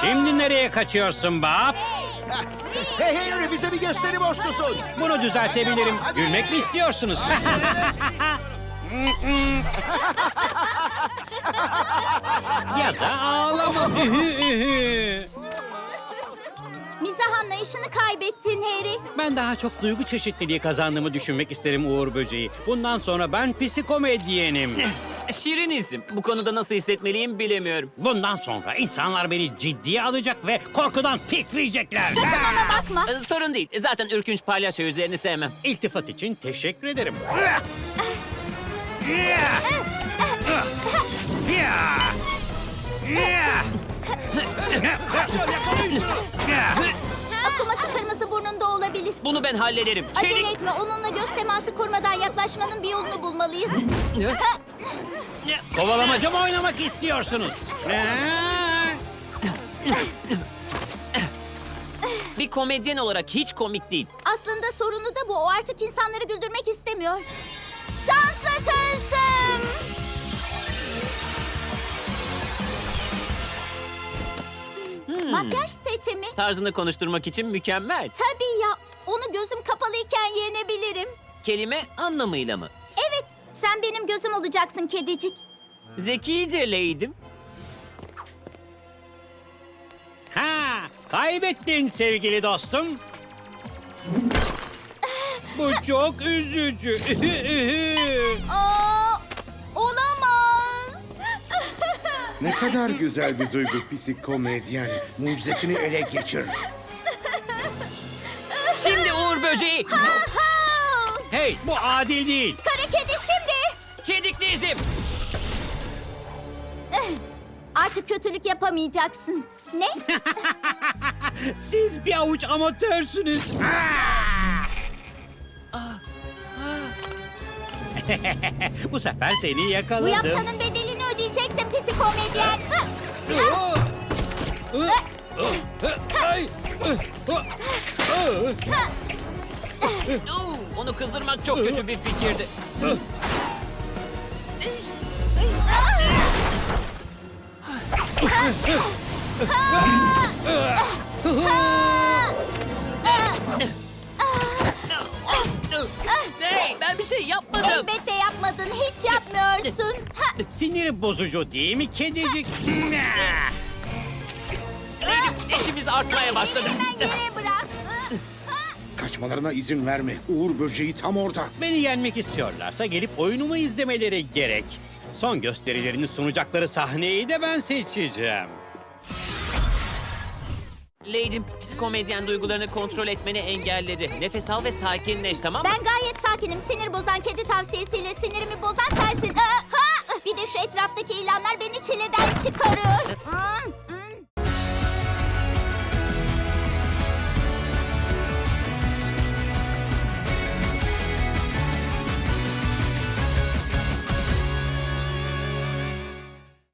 Şimdi nereye kaçıyorsun Bob? Hey Henry, bize bir gösteri borçlusun. Bunu düzeltebilirim. Hadi. Gülmek mi istiyorsunuz? Ya da ağlama. Mizah anlayışını kaybettin Harry. Ben daha çok duygu çeşitliliği kazandığımı düşünmek isterim Uğur Böceği. Bundan sonra ben psikomedyenim. Şirinizm. Bu konuda nasıl hissetmeliyim bilemiyorum. Bundan sonra insanlar beni ciddiye alacak ve korkudan titriyecekler. Bana bakma. Sorun değil. Zaten ürkünç palyaço yüzlerini sevmem. İltifat için teşekkür ederim. Akıması kırmızı burnunda olabilir. Bunu ben hallederim. Acele etme. Onunla göz teması kurmadan yaklaşmanın bir yolunu bulmalıyız. Kovalamaca mı oynamak istiyorsunuz? Bir komedyen olarak hiç komik değil. Aslında sorunu da bu. O artık insanları güldürmek istemiyor. Şanslı tılsım. Makyaj seti mi? Tarzını konuşturmak için mükemmel. Tabii ya. Onu gözüm kapalıyken yenebilirim. Kelime anlamıyla mı? Evet. Sen benim gözüm olacaksın kedicik. Zekice Lady'm. Ha, kaybettin sevgili dostum. Bu çok üzücü. Aa, olamaz. Ne kadar güzel bir duygu psikomedyen. Mucizesini ele geçir. Şimdi Uğur Böceği. Hey, bu adil değil. Kara kedi şimdi. Kediklizm. Artık kötülük yapamayacaksın. Ne? Siz bir avuç amatörsünüz. Bu sefer seni Bu yakaladım. yaptığının bedelini ödeyeceksin psikomedyen. Ay! Onu kızdırmak çok kötü bir fikirdi. Hey, ben bir şey yapmadım. Elbette yapmadın. Hiç yapmıyorsun. Ha, Sinir bozucu değil mi kedicik? Lady'm, işimiz artmaya başladı. hemen yere bırak. Kaçmalarına izin verme. Uğur böceği tam orada. Beni yenmek istiyorlarsa gelip oyunumu izlemeleri gerek. Son gösterilerini sunacakları sahneyi de ben seçeceğim. Lady'm, psikomedyen duygularını kontrol etmeni engelledi. Nefes al ve sakinleş, tamam mı? Ben gayet sakinim. Sinir bozan kedi tavsiyesiyle sinirimi bozan sensin. Bir de şu etraftaki ilanlar beni çileden çıkarıyor.